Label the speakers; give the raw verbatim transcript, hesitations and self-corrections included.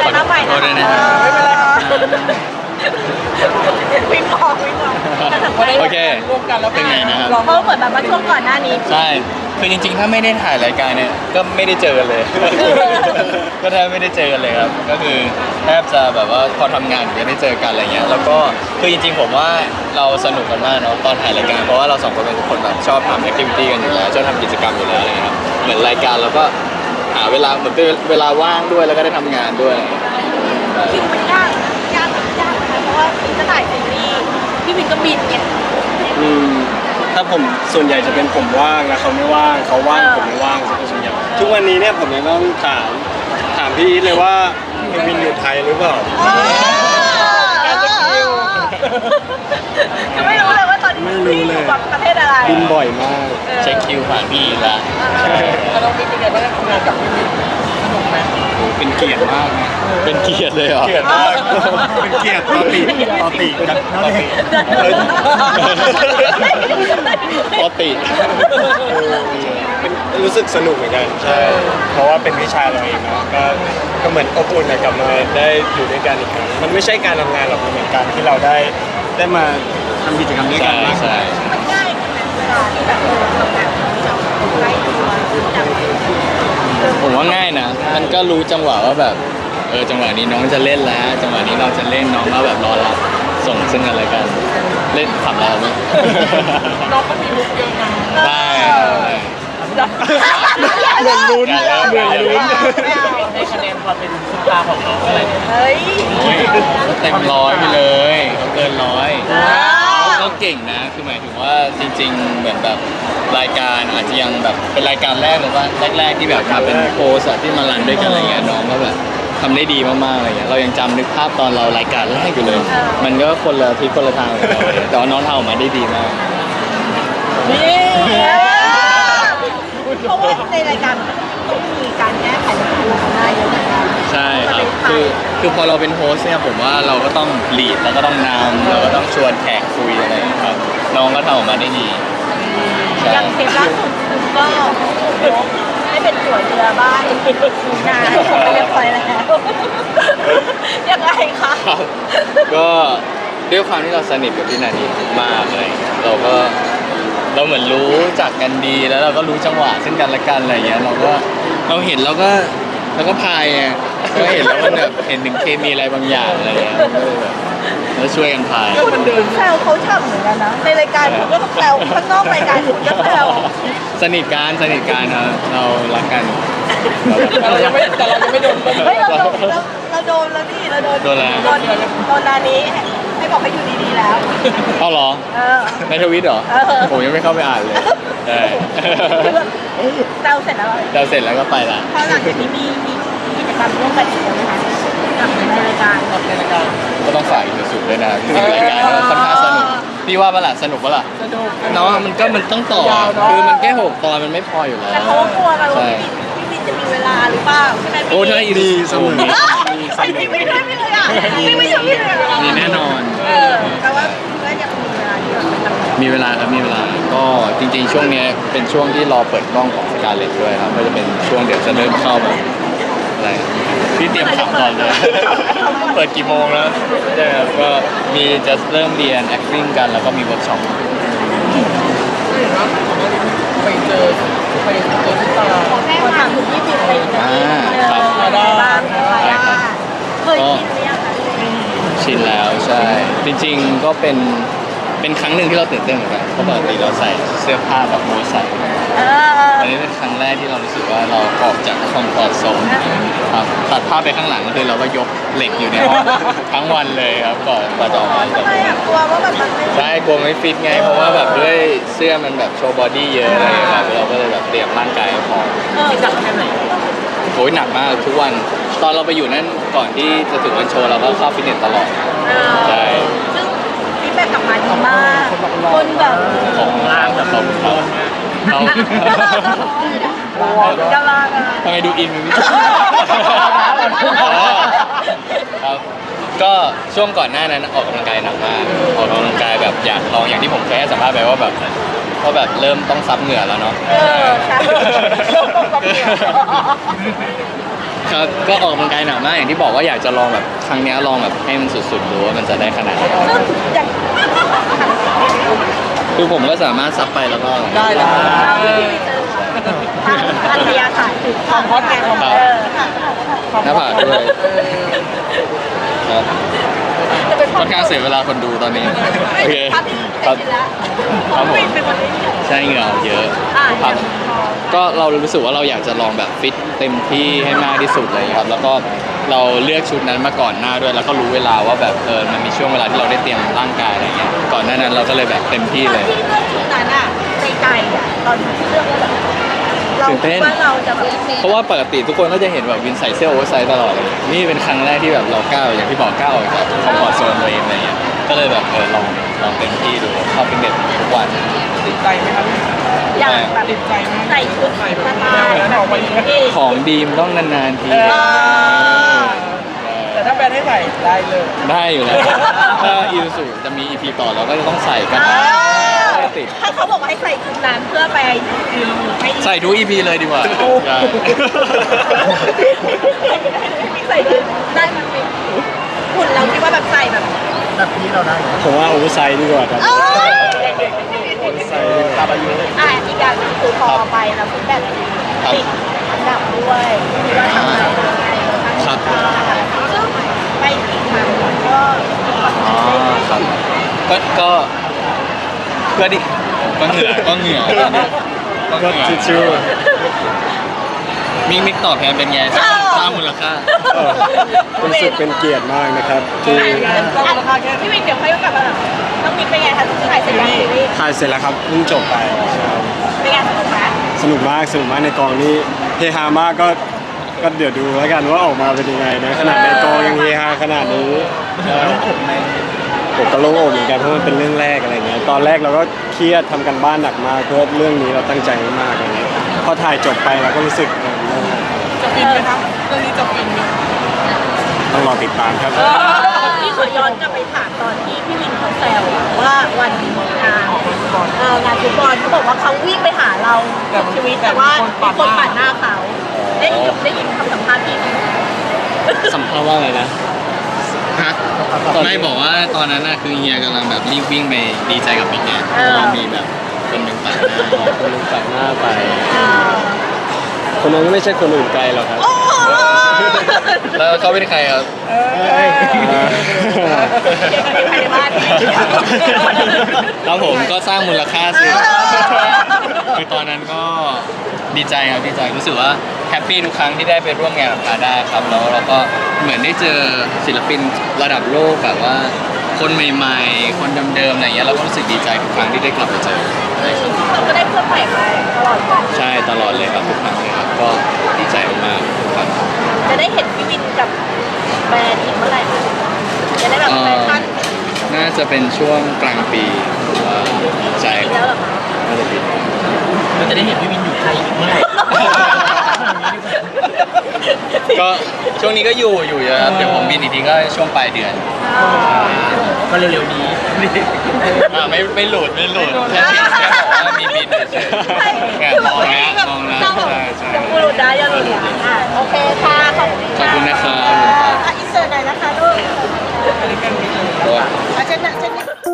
Speaker 1: ไปมาใหม่
Speaker 2: ขอโทษด้วยนะ
Speaker 1: ไม่เป็นไรวิ่งออกวิ่งออก
Speaker 2: โอเคเป็นไงนะครับ
Speaker 1: เพราะเหมือนแบบว่าช่วงก่อนหน้านี้
Speaker 2: ใช่คือจริงๆถ้าไม่ได้ถ่ายรายการเนี่ยก็ไม่ได้เจอกันเลย ก็แทบไม่ได้เจอกันเลยครับก็คือแทบจะแบบว่าพอทำงานถึงจะได้เจอกันอะไรเงี้ยแล้วก็คือจริงๆผมว่าเราสนุกกันมากเนาะตอนถ่ายรายการเพราะว่าเราสองคนเป็นคนแบบชอบทำแอคทิวิตี้กันอยู่แล้วชอบทำกิจกรรมอยู่แล้วอะไรเงี้ยครับเหมือนรายการเราก็หาเวลาเหมือนเป็นเวลาว่างด้วยแล้วก็ได้ทำงานด้วย
Speaker 1: จริงมันยากยากยากนะคะเพราะว่าจะถ่ายซีรีส์พี่วินก็บินเนี่ย
Speaker 3: อืมถ้าผมส่วนใหญ่จะเป็นผมว่างแล้วเขาไม่ว่างเขาว่างผมไม่ว่างส่วนใหญ่ทุกวันนี้เนี่ยผมยังต้องถามถามพี่อีทเลยว่าพี่วินอยู่ไทยหรือเปล่า
Speaker 1: จะไม่รู้เลยว่าตอนนี้พี่อยู่แบบประเทศอะไร
Speaker 3: บินบ่อยมาก
Speaker 2: เช็คคิวผ่านพี่ละ
Speaker 4: เราเป็นยังไงบ้างทำงานกับพี่วินสนุกไหม
Speaker 3: เป็นเกียรติมากนะ
Speaker 2: เป็นเกียรติเลยเหรอ
Speaker 3: เกียรติมากเป็นเกียรติต่อติต่อติกันนั่นเอง
Speaker 2: ปกติ
Speaker 3: เป็นรู้สึกสนุกเหมือนกันใช่เพราะว่าเป็นวิชาเราเองเนาะก็ก็เหมือนอบอุ่นนะกลับมาได้อยู่ด้วยกันอีกครั้งมันไม่ใช่การทำงานหรอกมันเป็นการที่เราได้ได้มาทำกิจกรรมด้วยกั
Speaker 2: ใช่
Speaker 3: นมากกว่า
Speaker 2: ใช่
Speaker 1: มันง่ายขึ้นไหมเวลาที่แบบเราทำงานกับใกล้ตัวจัง
Speaker 2: ผมว่าง่ายนะ มันก็รู้จังหวะว่าแบบเออจังหวะนี้น้องจะเล่นแล้ว จังหวะนี้เราจะเล่นน้องก็แบบรอรับส่งซึ่งกันและกันเล่นขับเราไหม
Speaker 4: น้องก็มีมุกเยอะนะ
Speaker 2: ได้
Speaker 3: เหมือนลุ้นเหมือนลุ้น
Speaker 4: ในคะแนนความเป็นซุปตาของน้องอะไร
Speaker 1: เฮ้ย
Speaker 2: โอ้ยเต็มร้อยไปเลยเขาเกินร้อยเขาเก่งนะ คือหมายถึงว่าจริง ๆ เหมือนแบบรายการอาจจะยังแบบเป็นรายการแรกหรือว่าแรกๆที่แบบมาเป็นโพสอะที่มารันด้วยกันอะไรเงี้ยน้องก็แบบทำได้ดีมากๆอะไรเงี้ยเรายังจำนึกภาพตอนเรารายการแรกอยู่เลย มันก็คนละทิศคนละทางกับเราเลยแต่ว่าน้องทำออกมาได้ดีมาก
Speaker 1: นี่เพราะว่าในรายการมันต้องมีการแก้ไขปัญหาหน้าเยอะเหมือนกัน
Speaker 2: ใช่ครับ คือ คือพอเราเป็นโฮสต์เนี่ยผมว่าเราก็ต้องลีดเราก็ต้องนำเราก็ต้องชวนแขกคุยอะไรอย่างเงี้ยครับ น้องก็ทำออกมาได้ดี ใช่
Speaker 1: อย่างเทปล่าสุดคุณก็ให้เป็นสวยเรือบ้านงานไม่เรียบร้อยแล้วยังไงคะ
Speaker 2: ครับก็ด้วยความที่เราสนิทกับพี่นานีมากเลยเราก็เราเหมือนรู้จักกันดีแล้วเราก็รู้จังหวะซึ่งกันและกันอะไรอย่างเงี้ยเราก็เราเห็นเราก็เราก็พายไงเราเห็นแล้วมันแบบเห็นถึงเคมีอะไรบางอย่างอะไรอย่างเงี้ยก็เลยแบบแล้วช่วยกันพาย
Speaker 1: คุณคุณแซวเขาฉ่ำเหมือนกันนะในรายการคุณก็แซวข้างนอกรายการคุณก็แซว
Speaker 2: สนิทกันสนิทกันครับเรารักกัน
Speaker 4: แต่เรายังไม่แต่เรายังไม่โดน
Speaker 1: เฮ้ยเราโดนเราเราโดนแล้วนี่เราโดน
Speaker 2: โดนอะไร
Speaker 1: โดนโดนนานี้ให้บอกให้อยู่ดีๆแล้ว
Speaker 2: เอาเหรอ
Speaker 1: เออ
Speaker 2: ในทวิตเหรอ
Speaker 1: เออ
Speaker 2: ผมยังไม่เข้าไปอ่านเลยใช่
Speaker 1: แซวเสร็จแล้ว
Speaker 2: เราเสร็จแล้วก็ไปละ
Speaker 1: พอหลังจากนี้มีมีกิจกรรมร่วมกันอีกไหมคะกับในรายการ
Speaker 4: ในรายการ
Speaker 2: ก็ต้องฝากอีกสุดด้วยนะจริงๆรายการก็ค่อนข้างสนุกพี่ว่าปะล่ะสนุกปะล่ะ
Speaker 4: สนุก
Speaker 2: เนาะมันก็มันต้องต่อ
Speaker 4: ยาวเนอะ
Speaker 2: คือมันแค่หกตอนมันไม่พออยู่แล้ว
Speaker 1: แต่เขาก็กลัวกันว่า
Speaker 2: ใช่
Speaker 1: พี่วินจะมีเวลาหรือเปล่าใช่ไหม
Speaker 2: โอ้ถ้าอี
Speaker 3: ดีเสมอ
Speaker 1: ไอ้ที่ไม่ได้ไม่เลยอ่ะไม่ไม่ใช่พี่เลย
Speaker 2: มีแน่นอน
Speaker 1: เออแต่ว่าก็ยังมีเวลาที่แบบไปทำงาน
Speaker 2: มีเวลาครับมีเวลาก็จริงๆ ช่วงเนี้ยเป็นช่วงที่รอเปิดกล้องของสกาเลตด้วยครับก็จะเป็นช่วงเดี๋ยวจะเริ่มเข้าแบบอะไรพี่เตรียมถามก่อนเลย เปิดกี่โมงแล้วใช่ครับก็มีจะเริ่มเรียน acting กันแล้วก็มีเวิร์กช็อป
Speaker 4: เห็นว่าไปเจอไปเจอซุปตา
Speaker 1: ขอแค่ถามถึงพี่วินไปอีกนะ
Speaker 2: อ่าครับ
Speaker 1: อะไรบ้างอะไรบ้างเคยคิดหรือยังคะ
Speaker 2: ชินแล้วใช่ จริงๆก็เป็นเป็นครั้งหนึ่งที่เราตื่นเต้นเหมือนกันเพราะปกติเราใส่เสื้อผ้าแบบโมใส่
Speaker 1: เออ
Speaker 2: อันนี้เป็นครั้งแรกที่เรารู้สึกว่าเราออกจากคอมฟอร์ทโซนครับตัดภาพไปข้างหลังก็คือเราก็ยกเหล็กอยู่ในห้องทั้งวันเลยครับก่อนกว่าจะออกมา
Speaker 1: ทำไมอ่ะกลัวว่าแบบมันไม่
Speaker 2: ใช่กลัวไม่ฟิตไง เพราะว่าแบบด้วยเสื้อมันแบบโชว์บอดี้เยอะอะไรอย่างเงี้ยครับเราก็เลยแบบเตรียมร่างกายให้พร้อม
Speaker 1: เออจับแค่ไหน
Speaker 2: โอ้ยหนักมากทุกวันตอนเราไปอยู่นั่นก่อนที่จะถึงวันโชว์เราก็เข้าฟิตเนสตลอดใช่
Speaker 1: ซึ่งฟีดแบ็กกลับมาดีมากคนแบบ
Speaker 2: ของล่างแบบเขาเขาเขา
Speaker 1: กำลังอ่ะ
Speaker 2: ทำไมดูอินเป็นพิเศษอ๋อครับก็ช่วงก่อนหน้านั้นออกกำลังกายหนักมากออกกำลังกายแบบอยากลองอย่างที่ผมเคยให้สัมภาษณ์ไปว่าแบบว่าแบบเริ่มต้องซับเหงื่อแล้วเนาะ
Speaker 1: เออใช่
Speaker 2: ครับ ก็ออกกำลังกายหนักมากอย่างที่บอกว่าอยากจะลองแบบครั้งเนี้ยลองแบบให้มันสุดๆดูว่ามันจะได้ขนาดไหน
Speaker 1: ซึ่งอย่าง
Speaker 2: คือผมก็สามารถซับไปแล้วก็
Speaker 4: ได้นะ
Speaker 1: เราที่พี่เจอทางอัธยาศัยถึง
Speaker 4: ความฮอตไงความฮอต
Speaker 1: เออ
Speaker 2: หน้าผากด้วยครับ
Speaker 1: จะเป็น
Speaker 2: ค่อนข้างเสียเวลาคนดูตอนนี้ โอเค
Speaker 1: ภาพที่
Speaker 2: ครับ
Speaker 1: เห็นแล้ว
Speaker 2: ครับผม
Speaker 1: เป็นคนที่
Speaker 2: ใช่เหงื่อออกเยอะ
Speaker 1: อ่า
Speaker 2: ครับ ก็เรารู้สึกว่าเราอยากจะลองแบบฟิตเต็มที่ให้มากที่สุดเลยครับ แล้วก็เราเลือกชุดนั้นมาก่อนหน้าด้วย แล้วก็รู้เวลาว่าแบบเออมันมีช่วงเวลาที่เราได้เตรียมร่างกายอะไรเงี้ย ก่อนหน้านั้นเราก็เลยแบบเต็มที่
Speaker 1: ตอ
Speaker 2: เล
Speaker 1: น
Speaker 2: ย
Speaker 1: ที่เลือกชุดนั้นอ่ะในใจอ่ะตอนที่เลือกว่าแบบเรา
Speaker 2: ตื่นเต้
Speaker 1: คิด
Speaker 2: น
Speaker 1: ว่าเราจะแบบ
Speaker 2: เพราะว่าปกติทุกคนก็จะเห็นแบบวินใส่เสื้อโอเวอร์ไซส์ตลอดเลย นี่เป็นครั้งแรกที่แบบเราก้าวอย่างที่บอกก้าวออกจากคอมฟอร์ทโซนตัวเองอะไรเงี้ย ก็เลยแบบเออลองลองเต็มที่ดูเข้าฟิตเนสทุกวัน
Speaker 4: ติดใจไหมครับ
Speaker 1: อยากแบบ
Speaker 4: ติดใจไหม
Speaker 1: ใส่ชุดสไตล์แบบนี้
Speaker 2: ของดีมต้องนานๆที
Speaker 4: เออ แต่ถ้าแบรนด์ให้ใส่ได้เลย
Speaker 2: ได้อยู่แล้วถ้าอิวสุจะมี อี พี ต่อเราก็จะต้องใส่กัน
Speaker 1: อ่า
Speaker 2: ไม่ติด
Speaker 1: ถ้าเขาบอกว่าให้ใส่ชุดนั้นเพื่อไปให้
Speaker 2: ใส่ทุก อี พี เลยดีกว่าใช่
Speaker 1: ใส่ชุดได้มันเป็นหุ่นเราคิดว่าแบบใส่แบบ
Speaker 4: แบบนี้เราได้
Speaker 3: ผมว่าโอเวอร์ไซส์ดีกว่าครับ
Speaker 1: เออ
Speaker 3: โอเวอร์ไซส์ดีกว่า
Speaker 4: ตามอายุ
Speaker 1: อ่ะอีกอย่างหนึงคือพอไปแล้วฟีดแบ็กติดอันดับด้วยที่ว่าทำอะไร
Speaker 2: ครับ
Speaker 1: ซึ่งไปอีกครั้งก็
Speaker 2: อ๋อครับก็ก็ก็ดิก็เหงื่อก็เหงื่อก็เหงื่อ
Speaker 3: ก็ทิชชู่
Speaker 2: มิกมิกตอบแทนเป็นไงสร้างสร้างมูลค่า
Speaker 3: เออรู้สึกเป็นเกียรติมากนะครับที่
Speaker 1: พี่วินเดี๋ยวค่อยกลับมาต้องมีเป็นไงคะถ่ายเสร็จแล้วซีรีส์
Speaker 3: ถ่ายเสร็จแล้วครับเพิ่งจบไปใช่
Speaker 1: เป็นไงสนุกไหม
Speaker 3: สนุกมากสนุกมากในกองนี้เฮฮามากก็ก็เดี๋ยวดูแล้วกันว่าออกมาเป็นยังไงนะขนาดในกองยังเฮฮาขนาดนี้ใช่ผมก็โล่งอกเหมือนกันเพราะมันเป็นเรื่องแรกอะไรเงี้ยตอนแรกเราก็เครียดทำกันบ้านหนักมากเพื่อเรื่องนี้เราตั้งใจมากๆอะไรเงี้ยพอถ่ายจบไปเราก็รู้สึกเออโล่ง
Speaker 4: จะฟินไหมครับเรื่องนี้จะฟินไหม
Speaker 3: ต้องรอติดตามครับ
Speaker 1: พี่ขอย้อนกลับไปถามตอนที่พี่วินเขาแซวอะว่าวันงานเอองานฟุตบอลเขาบอกว่าเขาวิ่งไปหาเราสุดชีวิตแต่ว่ามีคนปาดหน้าเขาได้ยินได้ยินคำสัมภาษณ์พี่ไหม
Speaker 2: สัมภาษณ์ว่าอะไรนะฮะไม่บอกว่าตอนนั้นน่ะคือเฮียกำลังแบบรีบวิ่งไปดีใจกับมิกเนี่ยเพราะว่ามีแบบคนหนึ่งปาดหน้า
Speaker 3: คนนึงตัดหน้าไป
Speaker 1: อ่า
Speaker 3: คนนั้นก็ไม่ใช่คนอื่นไกลหรอกครับ
Speaker 1: โอ้โห
Speaker 2: แล้วเขาเป็นใครครับ
Speaker 1: เด็กคนนี้ภายในบ้าน
Speaker 2: ครับผมก็สร้างมูลค่าสิคือตอนนั้นก็ดีใจครับดีใจรู้สึกว่าแฮปปี้ทุกครั้งที่ได้ไปร่วมงานกับพาด้าครับแล้วเราก็เหมือนได้เจอศิลปินระดับโลกแบบว่าคนใหม่ๆ คนเดิมๆอะไรเงี้ยเราก็รู้สึกดีใจทุกครั้งที่ได้กลับมาเจอใช่ครับ
Speaker 1: เราก็ได้เพื่อนใหม่มาตลอดกัน
Speaker 2: ใช่ตลอดเลยครับทุกครั้งเลยครับก็ดีใจมากๆทุกครั้ง
Speaker 1: จะได้เห็นพี่วินกับแบรนด์อีกเมื่อไหร่คะจะได้แบบแฟชั่น
Speaker 2: น่าจะเป็นช่วงกลางปีว่าใช่
Speaker 1: อีก
Speaker 2: ค
Speaker 1: แล้
Speaker 2: รั
Speaker 1: ว
Speaker 2: บ
Speaker 1: เหรอคะ
Speaker 2: น่าจะปี
Speaker 4: เราจะได้เห็นพี่วินอยู่ไทยอีกเมื่อไหร่
Speaker 2: ก็ช่วงนี้ก็อยู่อยู่เยอะครับเดี๋ยวผมบินอีกทีก็ช่วงปลายเดือน
Speaker 4: ก็เร็วๆนี้
Speaker 2: อ่าไม่ไม่หลุดไม่หลุดแค่แค่บอกว่ามีบินเฉยๆแค่มองแล้วมองแล้วใช่ใช่
Speaker 1: ยังหลุดได้ยังหลุดได้อ่ะโอเคค่ะขอบคุณ
Speaker 2: ขอบคุณนะครับ
Speaker 1: อ่ะอินเสิร์ตหน่อยนะคะลูก
Speaker 2: ตัว
Speaker 1: อาเช่นนะเช่นนี้